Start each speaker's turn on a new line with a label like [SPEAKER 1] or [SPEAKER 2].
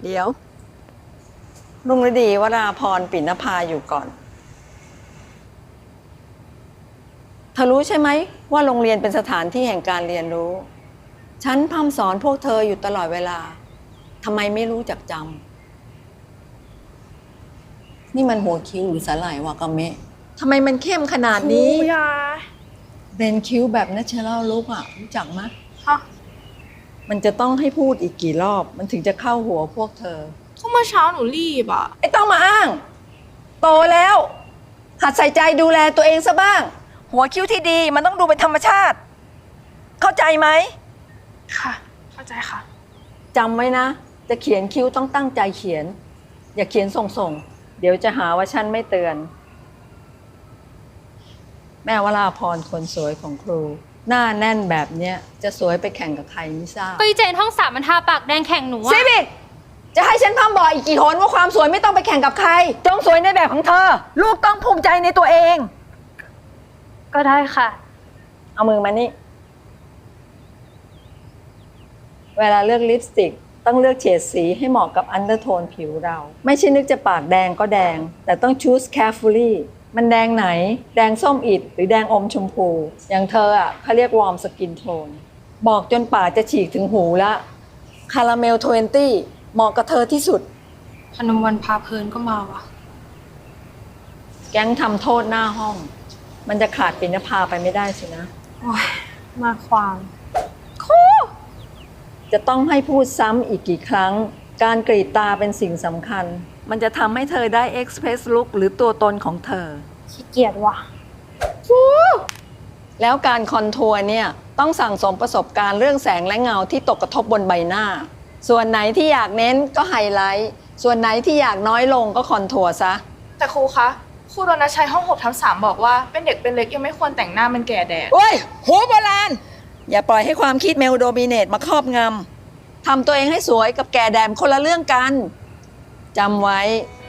[SPEAKER 1] เดี๋ยวรุ่งฤดีวราพรปิณภาอยู่ก่อนเธอรู้ใช่ไหมว่าโรงเรียนเป็นสถานที่แห่งการเรียนรู้ฉันพร่ำสอนพวกเธออยู่ตลอดเวลาทำไมไม่รู้จักจำนี่มันหัวคิ้วหรือสาหร่ายวากาเมะทำไมมันเข้มขนาดนี้
[SPEAKER 2] ครูยา
[SPEAKER 1] เบนคิ้วแบบ natural look อ่ะรู้จักไหม
[SPEAKER 2] ฮะ
[SPEAKER 1] มันจะต้องให้พูดอีกกี่รอบมันถึงจะเข้าหัวพวกเธอ
[SPEAKER 2] ก็เมื่อเช้าหนูรีบอ่ะ
[SPEAKER 1] ไอ้ต้องมาอ้างโตแล้วหัดใส่ใจดูแลตัวเองซะบ้างหัวคิ้วที่ดีมันต้องดูเป็นธรรมชาติเข้าใจไหม
[SPEAKER 2] ค่ะเข้าใจค่ะ
[SPEAKER 1] จำไว้นะจะเขียนคิ้วต้องตั้งใจเขียนอย่าเขียนส่งๆเดี๋ยวจะหาว่าฉันไม่เตือนแม่วราพรคนสวยของครูหน้าแน่นแบบเนี้ยจะสวยไปแข่งกับใครไม่ทราบ
[SPEAKER 3] ก็อีเจนห้องสามมันทาปากแดงแข่งหนูอะ
[SPEAKER 1] ซีบิกจะให้ฉันพร่ำบอกอีกกี่หนว่าความสวยไม่ต้องไปแข่งกับใครจงสวยในแบบของเธอลูกต้องภูมิใจในตัวเอง
[SPEAKER 3] ก็ได้ค่ะ
[SPEAKER 1] เอามือมานี่เวลาเลือกลิปสติกต้องเลือกเฉดสีให้เหมาะกับอันเดอร์โทนผิวเราไม่ใช่นึกจะปากแดงก็แดงแต่ต้อง choose carefully มันแดงไหนแดงส้มอิฐหรือแดงอมชมพูอย่างเธออ่ะเขาเรียก warm skin tone บอกจนปากจะฉีกถึงหูละคาราเมล20เหมาะกับเธอที่สุด
[SPEAKER 3] พนมวันพาเพลินก็มาว่ะ
[SPEAKER 1] แก๊งทำโทษหน้าห้องมันจะขาดปิณภาไปไม่ได้สินะ
[SPEAKER 3] โอ้ยมาความ
[SPEAKER 1] จะต้องให้พูดซ้ำอีกกี่ครั้งการกรีดตาเป็นสิ่งสำคัญมันจะทำให้เธอได้ express look หรือตัวตนของเธอ
[SPEAKER 3] ขี้เกียจว่ะ
[SPEAKER 1] แล้วการคอนทัวร์เนี่ยต้องสั่งสมประสบการณ์เรื่องแสงและเงาที่ตกกระทบบนใบหน้าส่วนไหนที่อยากเน้นก็ไฮไลท์ส่วนไหนที่อยากน้อยลงก็คอนทัวร์ซะ
[SPEAKER 2] แต่ครูคะครูรณชัยห้อง6/3บอกว่าเป็นเด็กเป็นเล็กยังไม่ควรแต่งหน้ามันแก่แดด
[SPEAKER 1] โอ้ยหัวโบราณอย่าปล่อยให้ความคิดเมลโดมิเนตมาครอบงำทำตัวเองให้สวยกับแก่แดมคนละเรื่องกันจำไว้